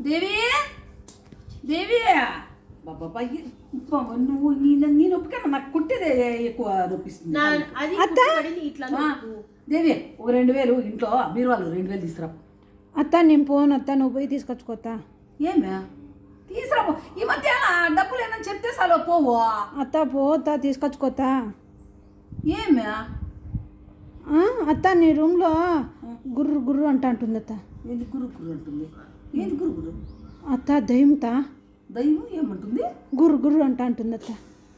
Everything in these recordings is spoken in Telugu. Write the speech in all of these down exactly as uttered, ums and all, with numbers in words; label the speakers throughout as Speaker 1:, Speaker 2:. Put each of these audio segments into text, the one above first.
Speaker 1: దేవి దేవి బాబా నువ్వు నీ నొప్పిగా నాకు కుట్టేదే ఎక్కువ నొప్పిస్తుంది. దేవి ఒక రెండు వేలు ఇంట్లో మీరు వాళ్ళు రెండు వేలు తీసుకురా.
Speaker 2: అత్త నేను పోను అత్త, నువ్వు పోయి తీసుకొచ్చుకోతా.
Speaker 1: ఏమే తీసుకురా, ఈ మధ్య డబ్బులు ఏమని చెప్తే చాలు పోవు.
Speaker 2: అత్త పోతా తీసుకొచ్చుకోతా.
Speaker 1: ఏమే
Speaker 2: అత్త నీ రూమ్లో గుర్రు గుర్రు అంట అంటుంది అత్త.
Speaker 1: ఏంది గురు గురు అంటుంది? ఏంది గురు గురు?
Speaker 2: అత్త దయ్యంతా.
Speaker 1: దయ్యం ఏమంటుంది?
Speaker 2: గుర్రు గుర్రు అంట అంటుంది అత్త.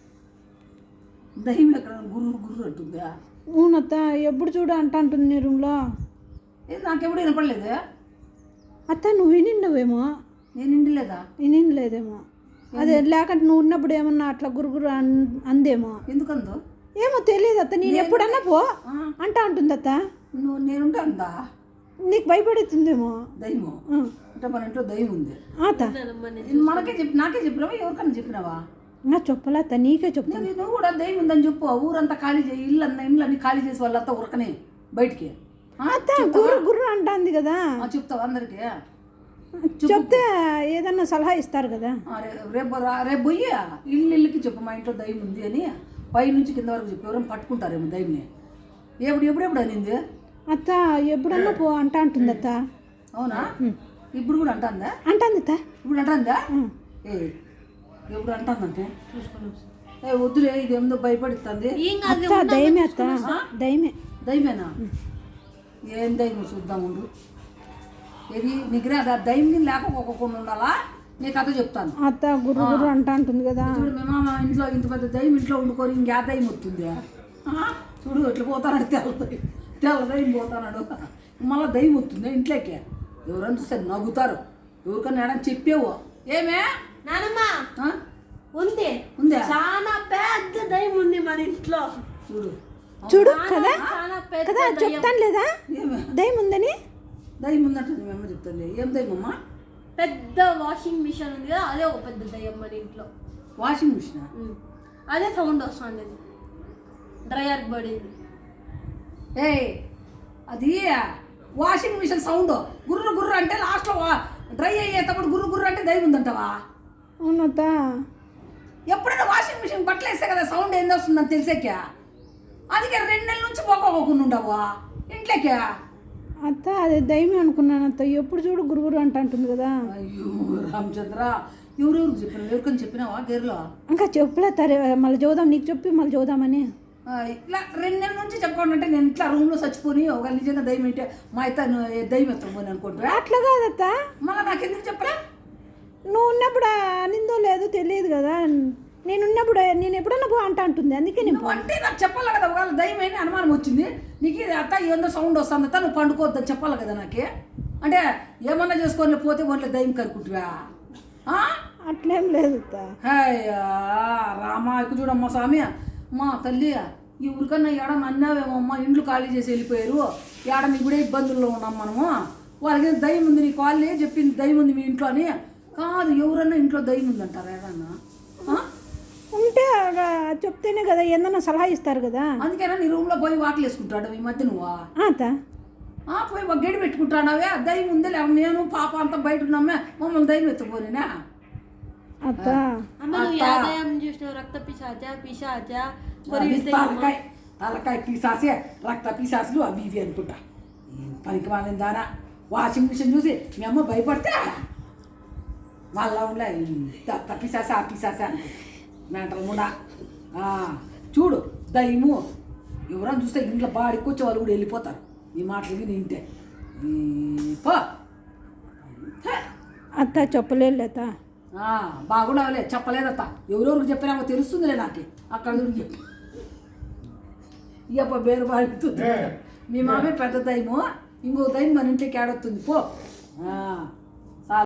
Speaker 1: దయ్యం ఎక్కడ గురు గురు అంటుందా?
Speaker 2: అవునత్త, ఎప్పుడు చూడు అంట అంటుంది నీ రూమ్లో.
Speaker 1: ఏది నాకెప్పుడు వినపడలేదే
Speaker 2: అత్త. నువ్వు వినిండవేమో.
Speaker 1: నేను ఇండిలేదా?
Speaker 2: వినిండలేదేమో. అదే లేకంటే నువ్వు ఉన్నప్పుడు ఏమన్నా అట్లా గురుగురు అందేమో.
Speaker 1: ఎందుకందో
Speaker 2: ఏమో తెలియదు అత్త. నేను ఎప్పుడన్నా పో అంట అంటుంది అత్త.
Speaker 1: నువ్వు నేనుంటే అందా
Speaker 2: నీకు భయపడుతుందేమో
Speaker 1: దయ్యము. అంటే మన ఇంట్లో దయ్యం ఉంది
Speaker 2: అత్త.
Speaker 1: మనకే చెప్పి నాకే చెప్పినావా ఎవరికన్నా చెప్పినావా?
Speaker 2: నా చెప్పలే అత్త, నీకే చెప్తాను.
Speaker 1: నువ్వు కూడా దయ్యం ఉందని చెప్పు. ఊరంతా ఖాళీ చేయి, ఇల్లు అన్న ఇండ్లు అన్ని ఖాళీ చేసి వాళ్ళంతా ఉరకనే బయటికి.
Speaker 2: అత్త గుర్రు గుర్రు అంటుంది కదా.
Speaker 1: చెప్తావా అందరికి?
Speaker 2: చెప్తే ఏదన్నా సలహా ఇస్తారు కదా.
Speaker 1: రేపు రేపు పోయి ఇల్లు ఇల్లుకి చెప్పు మా ఇంట్లో దయ్యం ఉంది అని. పై నుంచి కింద వరకు చెప్పి ఎవరైనా పట్టుకుంటారేమో దయ్యంని. ఎప్పుడు ఎప్పుడెప్పుడు అనింది
Speaker 2: అత్త? ఎప్పుడన్నా పో అంట అంటుంది అత్త.
Speaker 1: అవునా? ఇప్పుడు కూడా అంటుందా?
Speaker 2: అంటుంది అత్త.
Speaker 1: ఇప్పుడు అంటుందా? ఏ ఎప్పుడు అంటుందంటే చూసుకొని ఏ వద్దులే, ఇది ఏదో భయపడుతుంది.
Speaker 2: అత్త దయమే అత్త, దయమే.
Speaker 1: దయమేనా? ఏం దయ్యం చూద్దాం ఉండు. ఏది నిగ్రహ దయ్యం లేకపోకుండా ఉండాలా? నీ కథ చెప్తాను.
Speaker 2: అత్త గుర్రు గుర్రు అంట అంటుంది కదా.
Speaker 1: చూడు మేము మా ఇంట్లో ఇంత పెద్ద దయ్యం ఇంట్లో వండుకొని ఇంకే దయ్యం వస్తుంది. చూడు ఎట్లా పోతానాడు, తెల్ల దయ్యం తెల్ల దయ్యం పోతానాడు. మళ్ళీ దయ్యం వస్తుంది ఇంట్లోకి. ఎవరైనా చూస్తే నవ్వుతారు. ఎవరికన్నా ఏడని చెప్పేవు. ఏమే
Speaker 3: నానమ్మా ఉంది
Speaker 1: ఉందా?
Speaker 3: చాలా పెద్ద దయ్యం ఉంది మన ఇంట్లో.
Speaker 1: చూడు
Speaker 2: చూడు కదా కదా చెప్తాను లేదా దయ్యం ఉందని.
Speaker 1: దయ్యం ఉందంటే మేమమ్మ చెప్తాను. ఏం దయ్యం అమ్మా?
Speaker 3: పెద్ద వాషింగ్ మిషన్ ఉంది కదా, అదే ఒక పెద్ద దయ్యం మన ఇంట్లో.
Speaker 1: Washing machine?
Speaker 3: అదే సౌండ్ వస్తుంది. డ్రయర్ పడింది.
Speaker 1: ఏ అది వాషింగ్ మిషన్ సౌండ్ గుర్రు గుర్రు అంటే లాస్ట్లో డ్రై అయ్యేటప్పుడు గుర్రు గుర్రు అంటే దయ్యం ఉందంటావా?
Speaker 2: అవునత్త.
Speaker 1: ఎప్పుడైనా వాషింగ్ మిషన్ బట్టలు వేస్తే కదా సౌండ్ ఏంది వస్తుందని తెలిసాక. అందుకే రెండు నెలల నుంచి పోకోకుండా ఉండవా ఇంట్లోకి?
Speaker 2: అత్త అదే దయ్యమే అనుకున్నాను అత్త. ఎప్పుడు చూడు గురుగురు అంట అంటుంది కదా.
Speaker 1: అయ్యో రామచంద్ర, ఎవరెవరికి చెప్పినావు? ఎవరికని చెప్పినావా గేర్లో?
Speaker 2: ఇంకా చెప్పలేతారే, మళ్ళీ చూద్దాం నీకు చెప్పి మళ్ళీ చూద్దామని.
Speaker 1: ఇట్లా రెండు నెలల నుంచి చెప్పుకోండి అంటే నేను ఇట్లా రూమ్లో చచ్చిపోని ఒక నిజంగా దయ్యం ఏంటే మా అయితే దయ్యం ఎత్తపోని అనుకుంటా.
Speaker 2: అట్లా కాదత్త.
Speaker 1: మళ్ళీ నాకు ఎందుకు చెప్పరా?
Speaker 2: నువ్వు ఉన్నప్పుడు అనిందో లేదో తెలియదు కదా. నేను ఉన్నప్పుడు నేను ఎప్పుడన్నా పో అంట అంటుంది, అందుకే నేను
Speaker 1: అంటే నాకు చెప్పాలి కదా. ఒకవేళ దయ్యం అని అనుమానం వచ్చింది నీకు, అత్త ఏందో సౌండ్ వస్తుంది అత్త నువ్వు పండుకోవద్దని చెప్పాలి కదా నాకు. అంటే ఏమన్నా చేసుకొని పోతే ఒంట్లో దయ్యం కనుక్కుంటువా?
Speaker 2: అట్లేం లేదు అత్త.
Speaker 1: అయ్యా రామా ఇక చూడమ్మా స్వామి, మా తల్లి ఈ ఊరికన్నా ఏడన్నా అన్నావేమో అమ్మ, ఇండ్లు ఖాళీ చేసి వెళ్ళిపోయారు, ఏడన్నా ఇప్పుడే ఇబ్బందుల్లో ఉన్నాం మనము. వాళ్ళకి దయ్యం ఉంది, నీ కాళ్ళే చెప్పింది దయ్యం ఉంది మీ ఇంట్లో అని. కాదు, ఎవరన్నా ఇంట్లో దయ్యం ఉందంటారా ఏడన్నా?
Speaker 2: ఉంటే చెప్తేనే కదా ఏదన్నా సలహా ఇస్తారు కదా.
Speaker 1: అందుకేనా నీ రూమ్లో పోయి వాకిలు వేసుకుంటాడు ఈ మధ్య నువ్వు?
Speaker 2: అత్త
Speaker 1: పోయి ఒక గడి పెట్టుకుంటాడావే. దయ్యం ఉందే లేవు, నేను పాప అంతా బయట ఉన్నామే, మమ్మల్ని దయ్యం ఎత్తుకోనేనా?
Speaker 2: అత్త
Speaker 3: చూసినావు? రక్త పిశాచ పిశాచ
Speaker 1: తలకాయ తలకాయ పిశాసే రక్త పిశాసులు అవి ఇవి అనుకుంటా. పనికి వాళ్ళని దానా వాషింగ్ మిషన్ చూసి మీ అమ్మ భయపడితే వాళ్ళ ఉండే పిశాస ఆ పిశాస అనుకుంటా. మెంటల్ కూడా చూడు దయ్యము ఎవరైనా చూస్తే ఇంట్లో బాడికి వచ్చే వాళ్ళు కూడా వెళ్ళిపోతారు ఈ మాటలు విని వింటే. పో
Speaker 2: అత్త చెప్పలేదు అత్త.
Speaker 1: బాగుండవలే, చెప్పలేదత్త. ఎవరెవరికి చెప్పినామో తెలుస్తుందిలే నాకు. అక్కడ చెప్పి ఇక పేరు బాడుతుంది. మీ మామే పెద్ద దయ్యము, ఇంకో దయ్యం మన ఇంట్లోకి ఏడొస్తుంది పో.